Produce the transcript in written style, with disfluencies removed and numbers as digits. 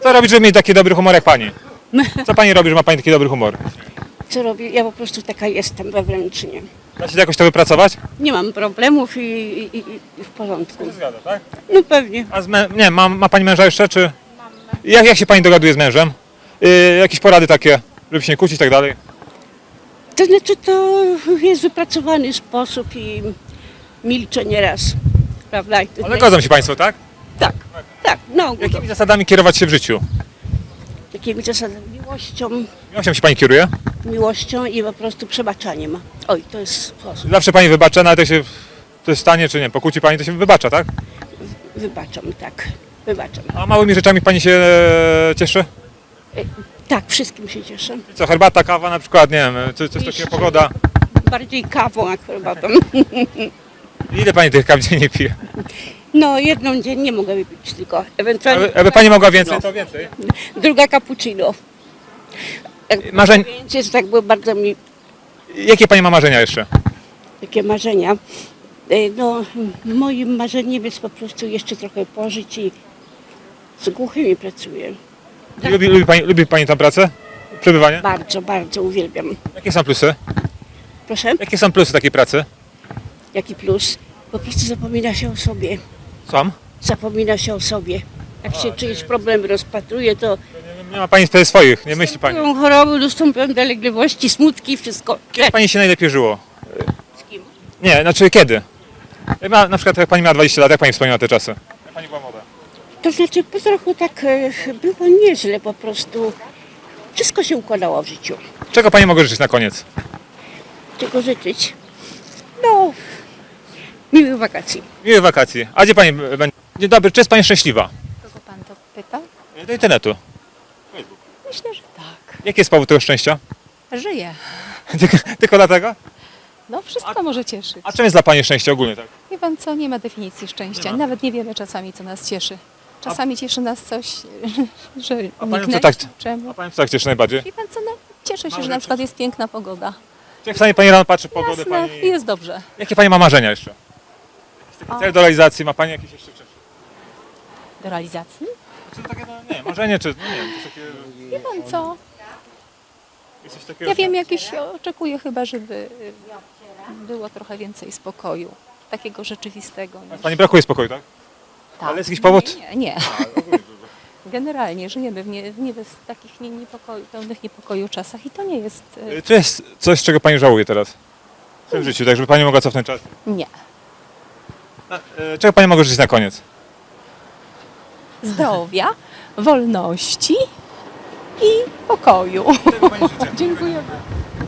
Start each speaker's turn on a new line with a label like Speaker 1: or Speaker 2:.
Speaker 1: Co robić, żeby mieć taki dobry humor jak pani? Co pani robi, że ma pani taki dobry humor?
Speaker 2: Co robię? Ja po prostu taka jestem wewnętrznie.
Speaker 1: Da się jakoś to wypracować?
Speaker 2: Nie mam problemów i w porządku.
Speaker 1: Zgadza, tak?
Speaker 2: No pewnie.
Speaker 1: A nie, ma pani męża jeszcze, czy? Jak się pani dogaduje z mężem? Jakieś porady takie, żeby się nie kłócić i tak dalej?
Speaker 2: To znaczy to jest wypracowany sposób i milczę nieraz. Prawda? I to
Speaker 1: Ale godzą się państwo, tak?
Speaker 2: Tak, tak. Na ogół.
Speaker 1: Jakimi zasadami kierować się w życiu?
Speaker 2: Takimi zasadami
Speaker 1: Miłością się pani kieruje?
Speaker 2: miłością i po prostu przebaczaniem. Oj, to jest sposób.
Speaker 1: Zawsze pani wybacza, nawet jak się coś stanie, czy nie, pokłóci pani, to się wybacza, tak?
Speaker 2: Wybaczam, tak. Wybaczam.
Speaker 1: A małymi rzeczami pani się cieszy?
Speaker 2: Tak, wszystkim się cieszę.
Speaker 1: Co, herbata, kawa na przykład, nie wiem, coś takiego, pogoda.
Speaker 2: Bardziej kawą jak herbatą.
Speaker 1: Ile pani tych kaw dziennie pije?
Speaker 2: No, jedną dziennie mogę wypić tylko. Ewentualnie
Speaker 1: Aby pani mogła więcej, to więcej.
Speaker 2: druga cappuccino. Jak
Speaker 1: Marzeń,
Speaker 2: Więc tak było bardzo mi
Speaker 1: jakie pani ma marzenia jeszcze?
Speaker 2: takie marzenia. No, moim marzeniem jest po prostu jeszcze trochę pożyć i z głuchymi pracuję.
Speaker 1: Lubi pani tę pracę? Przebywanie?
Speaker 2: Bardzo, bardzo uwielbiam.
Speaker 1: Jakie są plusy?
Speaker 2: Proszę?
Speaker 1: Jakie są plusy takiej pracy?
Speaker 2: Jaki plus? Po prostu zapomina się o sobie.
Speaker 1: Są?
Speaker 2: Zapomina się o sobie. Jak się czyjeś problemy rozpatruje, to
Speaker 1: Nie ma pani wtedy swoich, nie myśli pani.
Speaker 2: są choroby, dostępują dolegliwości, smutki, wszystko.
Speaker 1: Jak pani się najlepiej żyło?
Speaker 2: Z kim?
Speaker 1: Nie, znaczy kiedy? Na przykład jak pani miała 20 lat, jak pani wspomina te czasy? Jak pani była młoda.
Speaker 2: To znaczy po trochu tak było nieźle po prostu. Wszystko się układało w życiu.
Speaker 1: Czego pani mogę życzyć na koniec?
Speaker 2: Czego życzyć? No, miłych wakacji.
Speaker 1: Miłych wakacji. A gdzie pani będzie? Dzień dobry, czy jest pani szczęśliwa?
Speaker 3: Kogo pan to pytał?
Speaker 1: Do internetu.
Speaker 3: Myślę, że tak.
Speaker 1: Jaki jest powód tego szczęścia?
Speaker 3: Żyję.
Speaker 1: Tylko dlatego?
Speaker 3: No wszystko może cieszyć.
Speaker 1: A czym jest dla pani szczęście ogólnie, tak?
Speaker 3: Wie pan co, nie ma definicji szczęścia.
Speaker 1: Nie ma.
Speaker 3: Nawet nie wiemy czasami, co nas cieszy. Czasami cieszy nas coś, że
Speaker 1: A panią co
Speaker 3: niknę.
Speaker 1: tak,
Speaker 3: Czemu?
Speaker 1: a panią co tak cieszy najbardziej?
Speaker 3: Wie pan co, no, cieszę się, że na przykład jest piękna pogoda.
Speaker 1: Jak czasami pani rano patrzy pogodę,
Speaker 3: Jasne,
Speaker 1: pani...
Speaker 3: jest dobrze.
Speaker 1: Jakie pani ma marzenia jeszcze? Jest taki cel do realizacji, ma pani jakieś jeszcze wcześniej?
Speaker 3: Do realizacji?
Speaker 1: Czy to takie, no, nie, marzenie, czy no, nie wiem, coś takiego...
Speaker 3: Wie pan co,
Speaker 1: Jest coś takiego,
Speaker 3: ja wiem, jakieś oczekuję chyba, żeby było trochę więcej spokoju. Takiego rzeczywistego.
Speaker 1: Pani brakuje spokoju, tak?
Speaker 3: Tak.
Speaker 1: Ale jest jakiś powód?
Speaker 3: Nie. Generalnie żyjemy w takich pełnych niepokoju czasach i to nie jest...
Speaker 1: Czy jest coś, czego pani żałuje teraz? W swoim życiu, tak żeby pani mogła cofnąć czas?
Speaker 3: Nie.
Speaker 1: Czego pani mogę życzyć na koniec?
Speaker 3: Zdrowia, wolności i pokoju. Dziękuję.